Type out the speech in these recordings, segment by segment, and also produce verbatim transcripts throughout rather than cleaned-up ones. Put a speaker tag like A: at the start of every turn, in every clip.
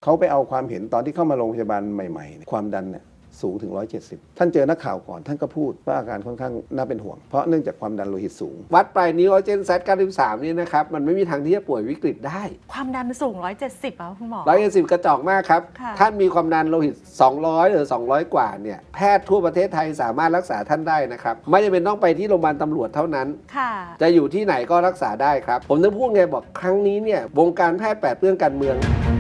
A: เขาไปเอาความเห็นตอนที่เข้ามาโรงพยาบาลใหม่ๆความดันเนี่ยสูงถึงหนึ่งร้อยเจ็ดสิบท่านเจอนักข่าวก่อนท่านก็พูดว่าอาการค่อนข้างน่าเป็นห่วงเพราะเนื่องจากความดันโลหิตสูง
B: วัดปลายนิ้วออกซิเจนแซดเก้าสิบสามนี่นะครับมันไม่มีทางที่จะป่วยวิกฤตได้
C: ความดันสูงหนึ่งร้อยเจ็ดสิบอ่ะคุณหมอ
B: หนึ่งร้อยเจ็ดสิบกระจอกมากครับท่านมีความดันโลหิตสองร้อยหรือสองร้อยกว่าเนี่ยแพทย์ทั่วประเทศไทยสามารถรักษาท่านได้นะครับไม่จำเป็นต้องไปที่โรงพยาบาลตำรวจเท่านั้นจะอยู่ที่ไหนก็รักษาได้ครับผมจะพูดไงบอกครั้งนี้เนี่ยวงการแพทย์แปดเปื้อนการเมือง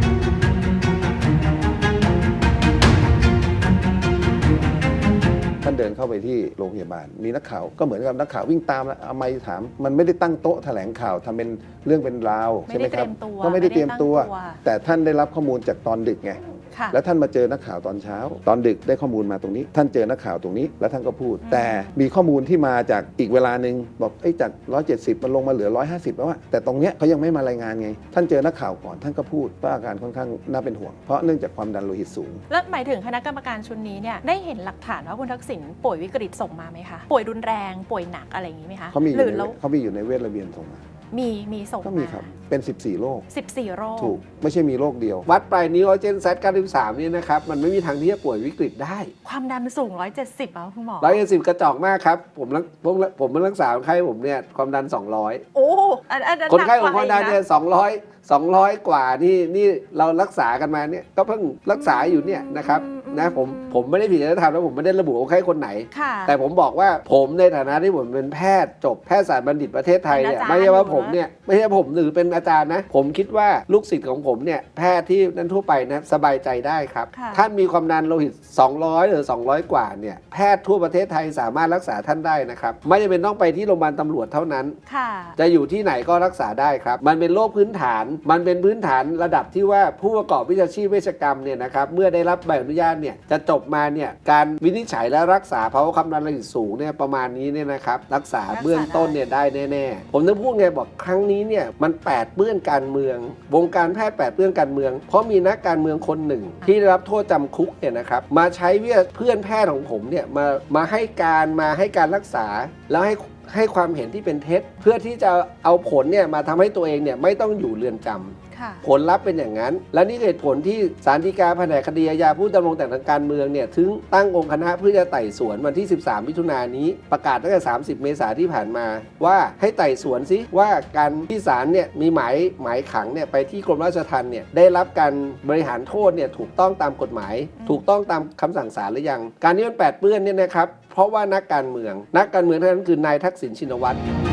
A: ท่านเดินเข้าไปที่โรงพยาบาลมีนักข่าวก็เหมือนกับนักข่าววิ่งตามแล้วเอาไมค์ถามมันไม่ได้ตั้งโต๊ะแถลงข่าวทำเป็นเรื่องเป็นราวใช่ไหมครับก็ไม่ได้เตรียมตัวแต่ท่านได้รับข้อมูลจากตอนดึกไงแล้วท่านมาเจอนักข่าวตอนเช้าตอนดึกได้ข้อมูลมาตรงนี้ท่านเจอนักข่าวตรงนี้แล้วท่านก็พูดแต่มีข้อมูลที่มาจากอีกเวลาหนึ่งบอกไอ้จากหนึ่งร้อยเจ็ดสิบมันลงมาเหลือหนึ่งร้อยห้าสิบแล้วว่าแต่ตรงเนี้ยเขายังไม่มารายงานไงท่านเจอนักข่าวก่อนท่านก็พูดว่าอาการค่อนข้างน่าเป็นห่วงเพราะเนื่องจากความดันโลหิตสูง
C: แล้วหมายถึงคณะกรรมการชุดนี้เนี่ยได้เห็นหลักฐานว่าคุณทักษิณป่วยวิกฤตส่งมาไหมคะป่วยรุนแรงป่วยหนักอะไรอย่างนี้ไหมคะ
A: เขามีอยู่ในเขามีอยู่ในเวชระเบียนส่งมา
C: มีมีส่ง
A: ก็มีครับเป็นสิบสี่โรค
C: สิบสี่โรค
A: ถูกไม่ใช่มีโรคเดียว
B: วัดปลายนิ้วออกซิเจนแซดเก้าสิบสามนี่นะครับมันไม่มีทางที่จะป่วยวิกฤตได้
C: ความดันสูงหนึ่งร้อยเจ็ดสิบอ่ะคุณหมอ
B: หนึ่งร้อยเจ็ดสิบกระจอกมากครับผมผมผมเป็นรักษาคนไข้ผมเนี่ยความดันสองร้อย
C: โอ้
B: คนไข้ของความดันเนี่ยสองร้อย สองร้อยกว่านี่นี่เรารักษากันมาเนี่ยก็เพิ่งรักษาอยู่เนี่ยนะครับนะผมผมไม่ได้ผิดจริยธรรมแล้วผมไม่ได้ระบุว่าใครคนไหนแต่ผมบอกว่าผมในฐานะที่ผมเป็นแพทย์จบแพทยศาสตร์บัณฑิตประเทศไทยเนี่ยไม่ใช่ว่าผมเนี่ยไม่ใช่ผมหรือเป็นอาจารย์นะผมคิดว่าลูกศิษย์ของผมเนี่ยแพทย์ที่นั้นทั่วไปนะสบายใจได้ครับท่านมีความดันโลหิตสองร้อยหรือสองร้อยกว่าเนี่ยแพทย์ทั่วประเทศไทยสามารถรักษาท่านได้นะครับไม่จำเป็นต้องไปที่โรงพยาบาลตำรวจเท่านั้นจะอยู่ที่ไหนก็รักษาได้ครับมันเป็นโรคพื้นฐานมันเป็นพื้นฐานระดับที่ว่าผู้ประกอบวิชาชีพเวชกรรมเนี่ยนะครับเมื่อได้รับใบอนุญาตเนี่ยจะจบมาเนี่ยการวินิจฉัยและรักษาภาวะความดันโลหิตสูงเนี่ยประมาณนี้เนี่ยนะครับรักษาเบื้องต้นเนี่ยได้แน่ๆผมจะพูดไงบอกครั้งนี้เนี่ยมันแปดเปื้อนการเมืองวงการแพทย์แปดเปื้อนการเมืองเพราะมีนักการเมืองคนหนึ่งที่ได้รับโทษจำคุกเนี่ยนะครับมาใช้เพื่อนแพทย์ของผมเนี่ยมามาให้การมาให้การรักษาแล้วให้ให้ความเห็นที่เป็นเท็จเพื่อที่จะเอาผลเนี่ยมาทำให้ตัวเองเนี่ยไม่ต้องอยู่เรือนจำผลลัพธ์เป็นอย่างนั้นและนี่เหตุผลที่ศาลฎีกาแผนกคดีอาญาผู้ดำรงตำแหน่งทางการเมืองเนี่ยถึงตั้งองค์คณะเพื่อจะไต่สวนวันที่สิบสามมิถุนายนนี้ประกาศตั้งแต่สามสิบเมษายนที่ผ่านมาว่าให้ไต่สวนซิว่าการที่ศาลเนี่ยมีหมายหมายขังเนี่ยไปที่กรมราชทัณฑ์เนี่ยได้รับการบริหารโทษเนี่ยถูกต้องตามกฎหมายถูกต้องตามคำสั่งศาลหรือยังการนี้มันแปดเปื้อนเนี่ยนะครับเพราะว่านักการเมืองนักการเมืองท่านนั้นคือนายทักษิณชินวัตร